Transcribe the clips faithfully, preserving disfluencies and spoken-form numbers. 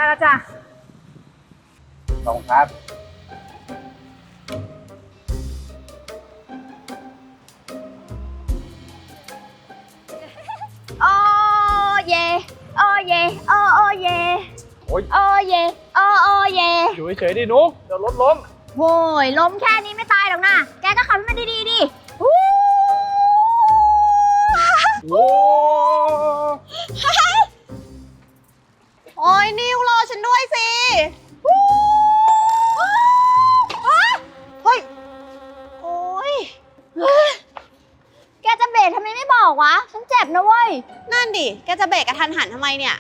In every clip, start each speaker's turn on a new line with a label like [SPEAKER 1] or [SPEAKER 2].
[SPEAKER 1] แล้วจ้ะ
[SPEAKER 2] ขอบคุณครับ
[SPEAKER 1] โอ้เยโอ้เยโอ้โอ้เยโอ้ยโอ้เยโอ้โอ้เย
[SPEAKER 2] อยู่เฉยๆดินุ๊กเดี๋ยวรถล้ม
[SPEAKER 1] โว้ยล้มแค่นี้ไม่ตายหรอกนะแกก็ขับให้มันดีๆดิวู้
[SPEAKER 2] โอ้
[SPEAKER 1] โอ้ยนิวรอฉันด้วยสิเฮ้ยโอ้ยแกจะเบรกทำไมไม่บอกวะฉันเจ็บนะเว้ย
[SPEAKER 3] นั่นดิ แกจะเบรกกระทันหันทำไมเนี่ย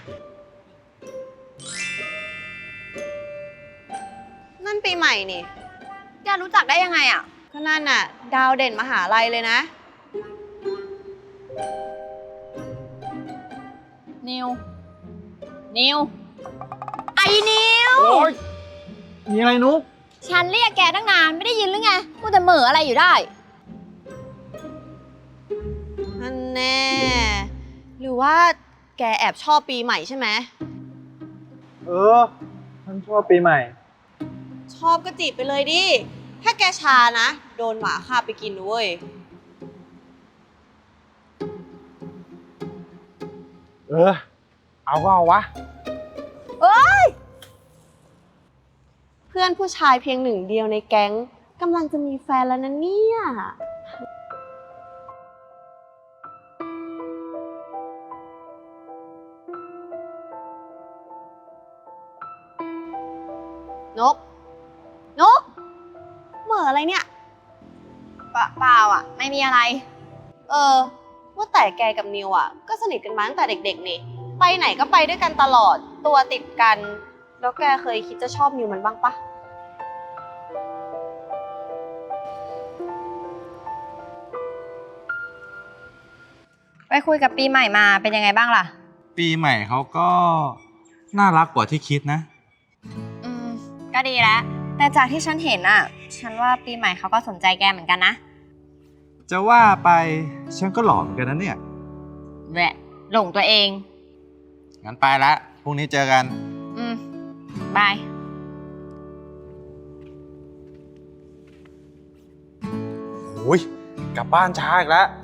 [SPEAKER 3] นั่นปีใหม่นี่
[SPEAKER 1] แกรู้จักได้ยังไงอ่ะ
[SPEAKER 3] ก็นั่นน่ะ ดาวเด่นมหาลัยเลยนะ
[SPEAKER 1] นิวนิวไอ้นิว
[SPEAKER 2] โอ้ยมีอะไรนุ๊ก
[SPEAKER 1] ฉันเรียกแกตั้งนานไม่ได้ยินหรือไงพูดแต่เหม่ออะไรอยู่ได้
[SPEAKER 3] นั่นแน่ หรือว่าแกแอบชอบปีใหม่ใช่ไหม
[SPEAKER 2] เออฉันชอบปีใหม่
[SPEAKER 3] ชอบก็จีบไปเลยดิ ถ้าแกชานะ โดนหมาคาบไปกินด้วย
[SPEAKER 2] เออเอาก็เอาวะ
[SPEAKER 1] เอ้ย
[SPEAKER 3] เพื่อนผู้ชายเพียงหนึ่งเดียวในแก๊งกำลังจะมีแฟนแล้วนะเนี่ยนก นก เหม่ออะไรเนี่ย
[SPEAKER 1] เปล่าอ่ะไม่มีอะไร
[SPEAKER 3] เออ ว่าแต่แกกับนิวอ่ะ ก็สนิทกันมาตั้งแต่เด็กๆนี่ไปไหนก็ไปด้วยกันตลอด ตัวติดกัน แล้วแกเคยคิดจะชอบนิวมันบ้างปะ
[SPEAKER 1] ไปคุยกับปีใหม่มาเป็นยังไงบ้างล่ะ
[SPEAKER 4] ปีใหม่เขาก็น่ารักกว่าที่คิดนะ
[SPEAKER 1] อืมก็ดีแล้วแต่จากที่ฉันเห็นอ่ะฉันว่าปีใหม่เขาก็สนใจแกเหมือนกันนะ
[SPEAKER 4] จะว่าไปฉันก็หล่อเหมือนกันนะเนี่ย
[SPEAKER 1] แหละหลงตัวเอง
[SPEAKER 4] งั้นไปละพรุ่งนี้เจอกัน
[SPEAKER 1] อืมบาย
[SPEAKER 4] โอ้ยกลับบ้านช้าอีกแล้ว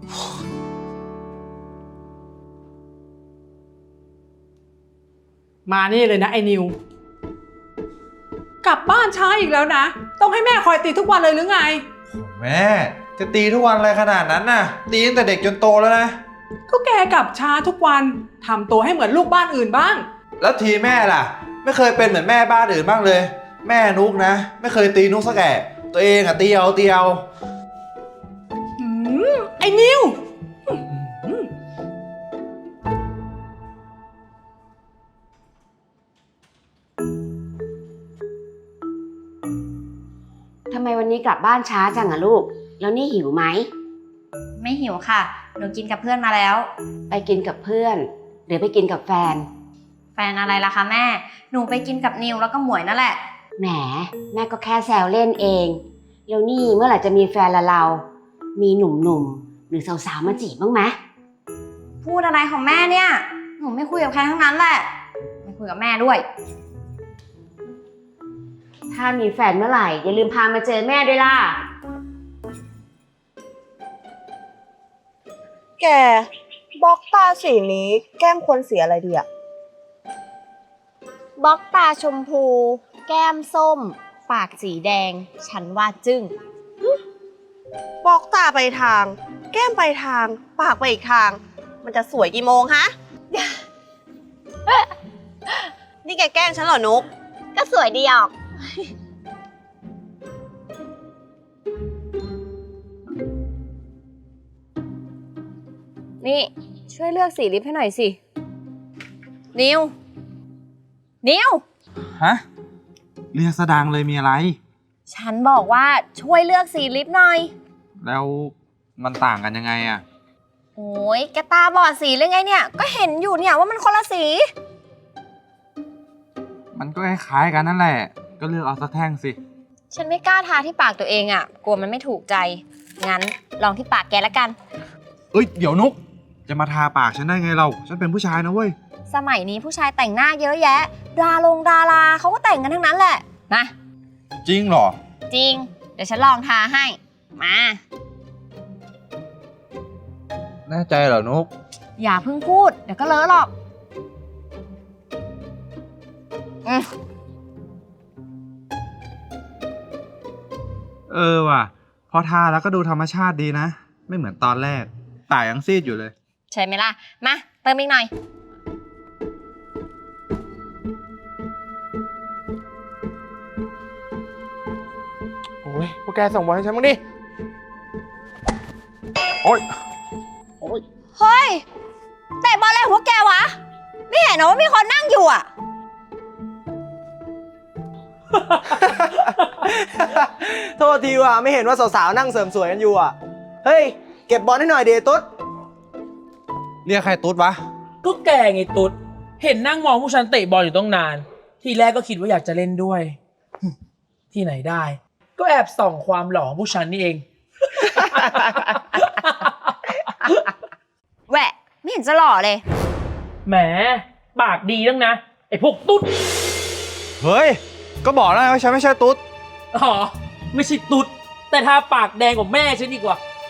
[SPEAKER 5] มานี่เลยนะไอ้นิวกลับบ้านช้าอีกแล้วนะต้องให้แม่คอยตีทุกวันเลยหรือไง
[SPEAKER 4] แม่จะตีทุกวันอะไรขนาดนั้นน่ะตีตั้งแต่เด็กจนโตแล้วนะ
[SPEAKER 5] ก็แกกลับช้าทุกวันทำตัวให้เหมือนลูกบ้านอื่นบ้าง
[SPEAKER 4] แล้วทีแม่ล่ะไม่เคยเป็นเหมือนแม่บ้านอื่นบ้างเลยแม่นุกนะไม่เคยตีนุกสักแก่ตัวเองอะตีเอาตีเอา
[SPEAKER 5] หืมไอ้นิว
[SPEAKER 6] ทำไมวันนี้กลับบ้านช้าจังอะลูก แล้วนี่หิวไหม
[SPEAKER 1] ไม่หิวค่ะหนูกินกับเพื่อนมาแล้ว
[SPEAKER 6] ไปกินกับเพื่อน หรือไปกินกับแฟน
[SPEAKER 1] แฟนอะไรล่ะคะแม่หนูไปกินกับนิวแล้วก็หมวยนั่นแหละ
[SPEAKER 6] แหมแม่ก็แค่แซวเล่นเองแล้วนี่เมื่อไหร่จะมีแฟนละเรา มีหนุ่มๆหรือสาวๆมาจีบบ้างไหม
[SPEAKER 1] พูดอะไรของแม่เนี่ยหนูไม่คุยกับใครทั้งนั้นแหละไม่คุยกับแม่ด้วย
[SPEAKER 6] ถ้ามีแฟนเมื่อไหร่อย่าลืมพามาเจอแม่ด้วยล่ะ
[SPEAKER 3] แกบล็อกตาสีนี้แก้มควรสีอะไรดีอะ
[SPEAKER 1] บล็อกตาชมพูแก้มส้มปากสีแดงฉันว่าจึ้ง
[SPEAKER 3] บล็อกตาไปทางแก้มไปทางปากไปอีกทางมันจะสวยกี่โมงฮะ นี่แกแกล้งฉันเหรอนุก
[SPEAKER 1] ก็สวยดีออกนี่ช่วยเลือกสีลิปให้หน่อยสินิวนิว
[SPEAKER 4] ฮะเรียกสะดังเลยมีอะไร
[SPEAKER 1] ฉันบอกว่าช่วยเลือกสีลิปหน่อย
[SPEAKER 4] แล้วมันต่างกันยังไงอะ
[SPEAKER 1] โอ้ยแกตาบอดสีหรือไงเนี่ยก็เห็นอยู่เนี่ยว่ามันคนละสี
[SPEAKER 4] มันก็คล้ายๆกันนั่นแหละก็เลือกเอาสักแท่งสิ
[SPEAKER 1] ฉันไม่กล้าทาที่ปากตัวเองอ่ะกลัวมันไม่ถูกใจงั้นลองที่ปากแกละกัน
[SPEAKER 4] เอ้ยเดี๋ยวนุกจะมาทาปากฉันได้ไงเราฉันเป็นผู้ชายนะเว้ย
[SPEAKER 1] สมัยนี้ผู้ชายแต่งหน้าเยอะแยะ ดารงดาราเขาก็แต่งกันทั้งนั้นแหละนะ
[SPEAKER 4] จริงเหรอ
[SPEAKER 1] จริง เดี๋ยวฉันลองทาให้ มา
[SPEAKER 4] แน่ใจเหรอนุก
[SPEAKER 1] อย่าเพิ่งพูด เดี๋ยวก็เลอะหรอกอืม
[SPEAKER 2] เออว่ะ พอทาแล้วก็ดูธรรมชาติดีนะ ไม่เหมือนตอนแรกตายังซีดอยู่เลย
[SPEAKER 1] ใช่ไหมล่ะ มา เติมอีกหน่อย
[SPEAKER 7] โอ้ยพวกแกส่งบอลให้ฉันบ้างดิ โอ้ย โอ้ย
[SPEAKER 1] เฮ้ยเตะบอลอะไรของพวกแกวะ ไม่เห็นเหรอว่ามีคนนั่งอยู่อ่ะ
[SPEAKER 8] โทษทีว่ะไม่เห็นว่าสาวๆนั่งเสริมสวยกันอยู่อ่ะ เฮ้ย เก็บบอลให้หน่อยเดตุ๊ด
[SPEAKER 4] เรียกใครตุ๊ดวะ
[SPEAKER 9] ก็แกไงตุ๊ด เห็นนั่งมองผู้ชันเตะบอลอยู่ต้องนาน ทีแรกก็คิดว่าอยากจะเล่นด้วย ที่ไหนได้ ก็แอบส่องความหล่อของผู้ชันนี่เอง
[SPEAKER 1] แหวะ ไม่เห็นจะหล่อเลย
[SPEAKER 9] แหม ปากดีตั้งนะ ไอ้พวกตุ๊ด
[SPEAKER 4] เฮ้ย ก็บอกแล้วไงว่าฉันไม่ใช่ตุ๊ด
[SPEAKER 9] อ๋อ ไม่ใช่ตุ๊ด แต่ทาปากแดงกว่าแม่ฉันดีกว่า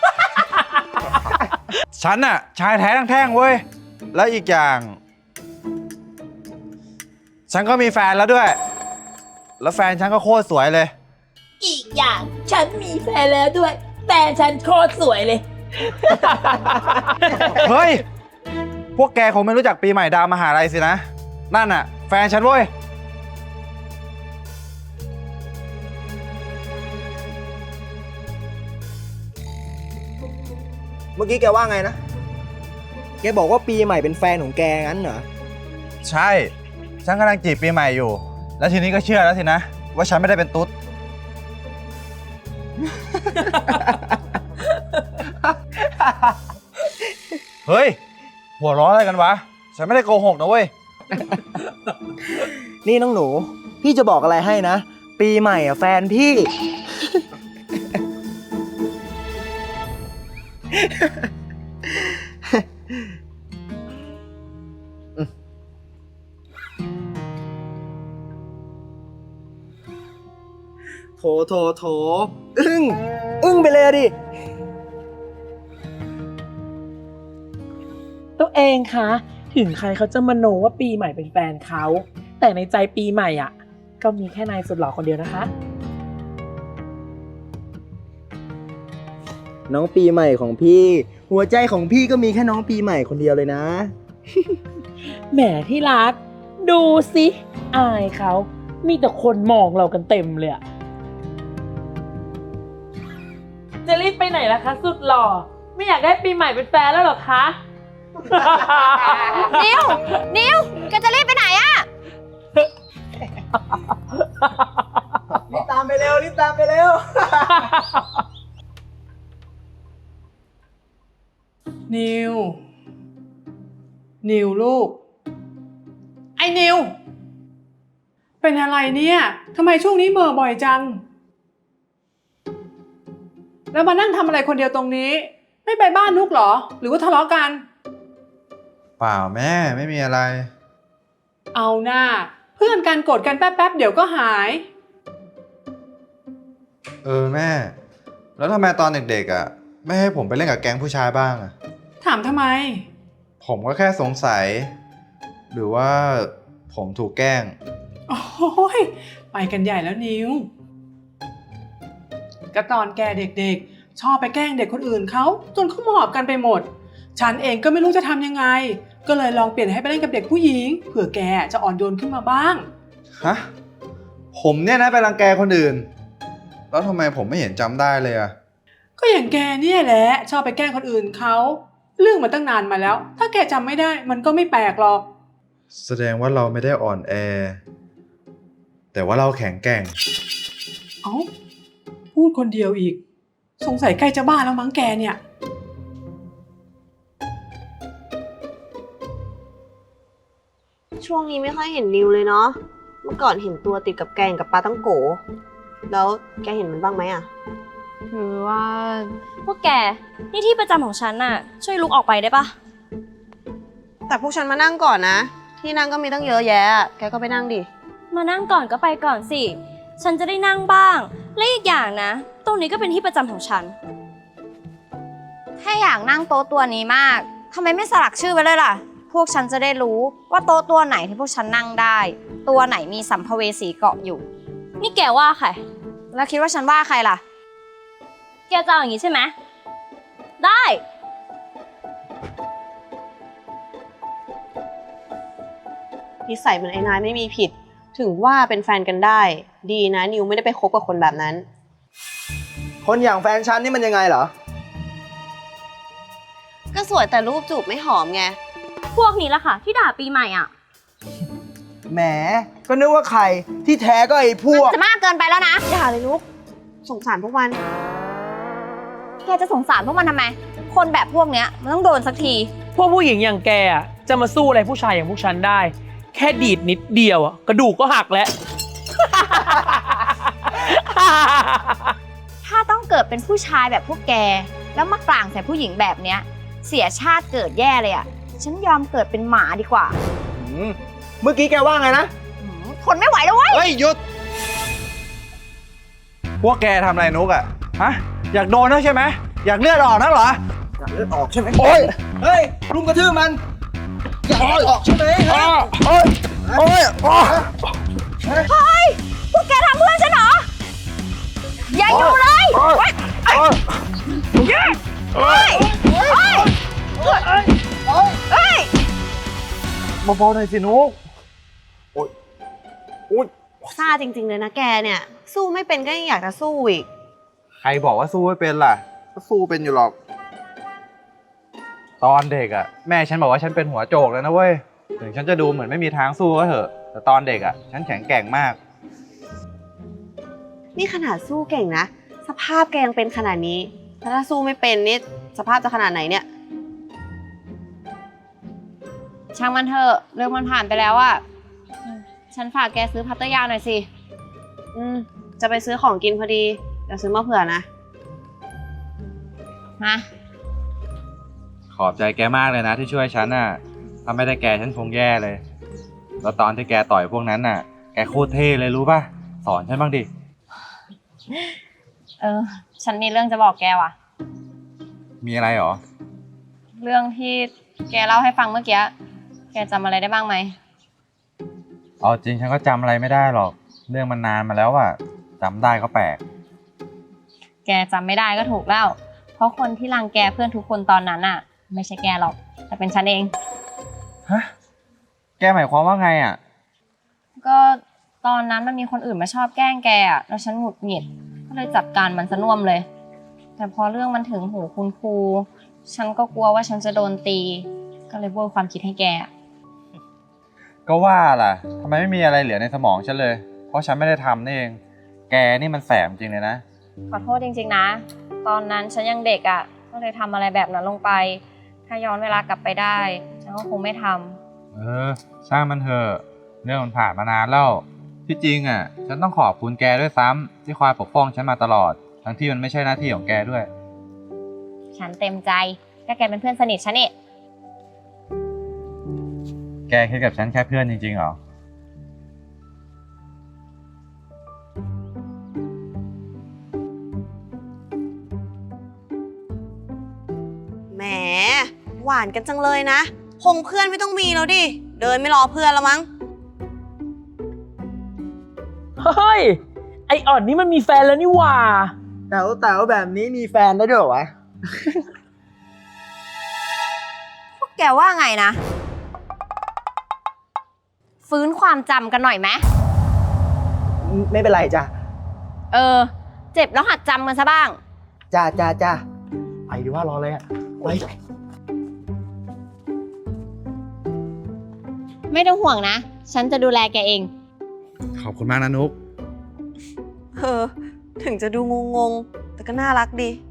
[SPEAKER 4] ฉันอะชายแท้ทั้งแท่งเว้ย แล้วอีกอย่าง ฉันก็มีแฟนแล้วด้วย แล้วแฟนฉันก็โคตรสวยเลย
[SPEAKER 9] อีกอย่างฉันมีแฟนแล้วด้วย แต่ฉันโคตรสวยเลย
[SPEAKER 4] เฮ้ย พวกแกคงไม่รู้จักปีใหม่ดาวมหาลัยสินะ นั่นอะแฟนฉันเว้ย
[SPEAKER 8] เมื่อกี้แกว่าไงนะ แกบอกว่าปีใหม่เป็นแฟนของแกงั้นเหรอ
[SPEAKER 4] ใช่ ฉันกำลังจีบปีใหม่อยู่ แล้วทีนี้ก็เชื่อแล้วสินะ ว่าฉันไม่ได้เป็นตุ๊ด เฮ้ย หัวเร้ออะไรกันวะ ฉันไม่ได้โกหกนะเว้ย
[SPEAKER 8] นี่น้องหนู พี่จะบอกอะไรให้นะ ปีใหม่อ่ะแฟนพี่ โถโถโถอึ้ง อึ้งไปเลยอะดิ
[SPEAKER 9] ตัวเองคะ ถึงใครเขาจะมโนว่าปีใหม่เป็นแฟนเขา แต่ในใจปีใหม่อ่ะ ก็มีแค่นายสุดหล่อคนเดียวนะคะ
[SPEAKER 8] น้องปีใหม่ของพี่ หัวใจของพี่ก็มีแค่น้องปีใหม่คนเดียวเลยนะ
[SPEAKER 9] แหมที่รัก ดูสิ อายเขามีแต่คนมองเรากันเต็มเลยอะจะรีบไปไหนล่ะคะ สุดหล่อ ไม่อยากได้ปีใหม่เป็นแฟนแล้วหรอคะ
[SPEAKER 1] นิว นิวแกจะรีบไปไหนอะ
[SPEAKER 8] รีบตามไปเร็ว รีบตามไปเร็ว
[SPEAKER 5] นิว นิวลูก ไอ้นิว เป็นอะไรเนี่ยทำไมช่วงนี้เหม่อบ่อยจัง แล้วมานั่งทำอะไรคนเดียวตรงนี้ ไม่ไปบ้านนุกเหรอ หรือว่าทะเลาะกัน
[SPEAKER 4] เปล่าแม่ไม่มีอะไร
[SPEAKER 5] เอาหน้า เพื่อนกันโกรธกันแป๊บๆเดี๋ยวก็หาย
[SPEAKER 4] เออแม่ แล้วทำไมตอนเด็กๆอ่ะไม่ให้ผมไปเล่นกับแก๊งผู้ชายบ้างอ่ะ
[SPEAKER 5] ถามทำไม
[SPEAKER 4] ผมก็แค่สงสัย หรือว่าผมถูกแกล้ง
[SPEAKER 5] โอ้ยไปกันใหญ่แล้วนิวก็ตอนแกเด็กๆ ชอบไปแกล้งเด็กคนอื่นเขาจนเขาหมอบกันไปหมด ฉันเองก็ไม่รู้จะทำยังไง ก็เลยลองเปลี่ยนให้ไปเล่นกับเด็กผู้หญิงเผื่อแกจะอ่อนโยนขึ้นมาบ้าง
[SPEAKER 4] ฮะ ผมเนี่ยนะไปรังแกคนอื่น แล้วทำไมผมไม่เห็นจำได้เลยอ่ะ
[SPEAKER 5] ก็อย่างแกเนี่ยแหละชอบไปแกล้งคนอื่นเขาเรื่องมันตั้งนานมาแล้ว ถ้าแกจำไม่ได้มันก็ไม่แปลกหรอก
[SPEAKER 4] แสดงว่าเราไม่ได้อ่อนแอ แต่ว่าเราแข็งแกร่ง
[SPEAKER 5] เอ้าพูดคนเดียวอีก สงสัยใกล้จะบ้าแล้วมั้งแกเนี่ย
[SPEAKER 3] ช่วงนี้ไม่ค่อยเห็นนิวเลยเนาะ เมื่อก่อนเห็นตัวติดกับแกงกับปลาตั้งโก แล้วแกเห็นมันบ้างไหมอะ
[SPEAKER 1] คือว่า พวกแก นี่ที่ประจำของฉันน่ะ ช่วยลุกออกไปได้ปะ
[SPEAKER 3] แต่พวกฉันมานั่งก่อนนะที่นั่งก็มีตั้งเยอะแยะ แกก็ไปนั่งดิ
[SPEAKER 1] มานั่งก่อนก็ไปก่อนสิ ฉันจะได้นั่งบ้าง และอีกอย่างนะ ตรงนี้ก็เป็นที่ประจำของฉัน ถ้าอยากนั่งโต๊ะตัวนี้มากทำไมไม่สลักชื่อไว้เลยล่ะ พวกฉันจะได้รู้ว่าโต๊ะตัวไหนที่พวกฉันนั่งได้ ตัวไหนมีสัมภเวสีเกาะอยู่ นี่แกว่าใคร แล้วคิดว่าฉันว่าใครล่ะ แกจะเอาอย่างนี้ใช่ไหม ได้
[SPEAKER 3] นิสัยเหมือนไอ้นายไม่มีผิด ถึงว่าเป็นแฟนกันได้ ดีนะนิวไม่ได้ไปคบกับคนแบบนั้น
[SPEAKER 8] คนอย่างแฟนฉันนี่มันยังไงเหรอ
[SPEAKER 3] ก็สวยแต่รูปจูบไม่หอมไง
[SPEAKER 1] พวกนี้ล่ะค่ะ ที่ด่าปีใหม่อ่ะ
[SPEAKER 8] แหม ก็นึกว่าใคร ที่แท้ก็ไอ้พวก
[SPEAKER 1] จะมากเกินไปแล้วนะ
[SPEAKER 3] อย่าเลยลูก สงสารพวกมัน
[SPEAKER 1] แกจะสงสารพวกมันทำไม คนแบบพวกเนี้ยมันต้องโดนสักที
[SPEAKER 9] พวกผู้หญิงอย่างแกอะจะมาสู้อะไรผู้ชายอย่างพวกฉันได้ แค่ดีดนิดเดียวอะกระดูกก็หักแล้ว
[SPEAKER 1] ถ้าต้องเกิดเป็นผู้ชายแบบพวกแก แล้วมากลางใส่ผู้หญิงแบบเนี้ย เสียชาติเกิดแย่เลยอ่ะ ฉันยอมเกิดเป็นหมาดีกว่า
[SPEAKER 8] อืมเมื่อกี้แกว่าไงนะ
[SPEAKER 1] หืมทนไม่ไหวแล้วเว้ย
[SPEAKER 2] เฮ้ยหยุด พวกแกทำอะไรนุกอะฮะ อยากโดนนักใช่ไหม อยากเลือดออกนักเหรอ
[SPEAKER 8] อยากเลือดออกใช่ไหม
[SPEAKER 2] โอ๊ย
[SPEAKER 8] เฮ้ยรุมกระทืบมัน อยากเลือดออกใช่ไหม
[SPEAKER 2] อ้อโอ๊ยโอ๊ยอ้อ
[SPEAKER 1] เฮ้ย พวกแกทำเพื่อนฉันเหรอ อย่าอยู่เลย
[SPEAKER 2] โอ๊ยโอ๊ยโอ๊ย
[SPEAKER 1] เฮ้ย เฮ้ย เฮ้ย
[SPEAKER 2] เบาๆหน่อยสินุก
[SPEAKER 3] ซ่าจริงๆเลยนะแกเนี่ย สู้ไม่เป็นก็ยังอยากจะสู้อีก
[SPEAKER 2] ใครบอกว่าสู้ไม่เป็นล่ะ ก็สู้เป็นอยู่หรอก ตอนเด็กอะแม่ฉันบอกว่าฉันเป็นหัวโจกเลยนะเว้ย ถึงฉันจะดูเหมือนไม่มีทางสู้ก็เถอะ แต่ตอนเด็กอะฉันแข็งแกร่งมาก
[SPEAKER 3] นี่ขนาดสู้เก่งนะ สภาพแกยังเป็นขนาดนี้แล้วถ้าสู้ไม่เป็นนี่สภาพจะขนาดไหนเนี่ย
[SPEAKER 1] ช่างมันเถอะเรื่องมันผ่านไปแล้วอะฉันฝากแกซื้อพัตเตอร์ยาหน่อยสิ
[SPEAKER 3] อืม จะไปซื้อของกินพอดี เดี๋ยวซื้อมาเผื่อนะ
[SPEAKER 1] มา
[SPEAKER 2] ขอบใจแกมากเลยนะที่ช่วยฉันน่ะ ถ้าไม่ได้แกฉันคงแย่เลย แล้วตอนที่แกต่อยพวกนั้นน่ะ แกโคตรเท่เลยรู้ป่ะ สอนฉันบ้างดิ
[SPEAKER 1] เออ ฉันมีเรื่องจะบอกแกว่ะ
[SPEAKER 2] มีอะไรหรอ
[SPEAKER 1] เรื่องที่แกเล่าให้ฟังเมื่อกี้ แกจำอะไรได้บ้างไหม
[SPEAKER 2] เอาจริงฉันก็จำอะไรไม่ได้หรอก เรื่องมันนานมาแล้วอะจำได้ก็แปลก
[SPEAKER 1] แกจำไม่ได้ก็ถูกแล้ว เพราะคนที่รังแกเพื่อนทุกคนตอนนั้นอะไม่ใช่แกหรอก แต่เป็นฉันเอง
[SPEAKER 2] ฮะ แกหมายความว่าไงอะ
[SPEAKER 1] ก็ตอนนั้นมันมีคนอื่นมาชอบแกล้งแกอะแล้วฉันหงุดหงิด ก็เลยจัดการมันซะน่วมเลย แต่พอเรื่องมันถึงหูคุณครู ฉันก็กลัวว่าฉันจะโดนตี ก็เลยโบยความคิดให้แกอะ
[SPEAKER 2] ก็ว่าล่ะทำไมไม่มีอะไรเหลือในสมองฉันเลย เพราะฉันไม่ได้ทำนี่เอง แกนี่มันแสบจริงเลยนะ
[SPEAKER 1] ขอโทษจริงๆนะ ตอนนั้นฉันยังเด็กอะก็เลยทำอะไรแบบนั้นลงไป ถ้าย้อนเวลากลับไปได้ ฉันก็คงไม่ทำ
[SPEAKER 2] เออช่างมันเถอะเรื่องมันผ่านมานานแล้วที่จริงอ่ะ ฉันต้องขอบคุณแกด้วยซ้ำที่คอยปกป้องฉันมาตลอด ทั้งที่มันไม่ใช่หน้าที่ของแกด้วย
[SPEAKER 1] ฉันเต็มใจก็แกเป็นเพื่อนสนิทฉันนี่
[SPEAKER 2] แกคิดกับฉันแค่เพื่อนจริงๆเหรอ
[SPEAKER 3] แหม หวานกันจังเลยนะคงเพื่อนไม่ต้องมีแล้วดิ เดินไม่รอเพื่อนแล้วมั้ง
[SPEAKER 9] เฮ้ย ไออ่อนนี่มันมีแฟนแล้วนี่หว่า
[SPEAKER 8] แต๋วแต๋วแบบนี้มีแฟนได้ด้วยเหรอวะ
[SPEAKER 1] พวกแกว่าไงนะ ฟื้นความจำกันหน่อยไหม
[SPEAKER 8] ไม่เป็นไรจ้ะ
[SPEAKER 1] เออ เจ็บแล้วหัดจำกันซะบ้าง
[SPEAKER 8] จ้าจ้าจ้าไปดีว่ารอเลยอะไป
[SPEAKER 1] ไม่ต้องห่วงนะ ฉันจะดูแลแกเอง
[SPEAKER 2] ขอบคุณมากนะนุ๊ก
[SPEAKER 3] เออ ถึงจะดูงงๆ แต่ก็น่ารักดี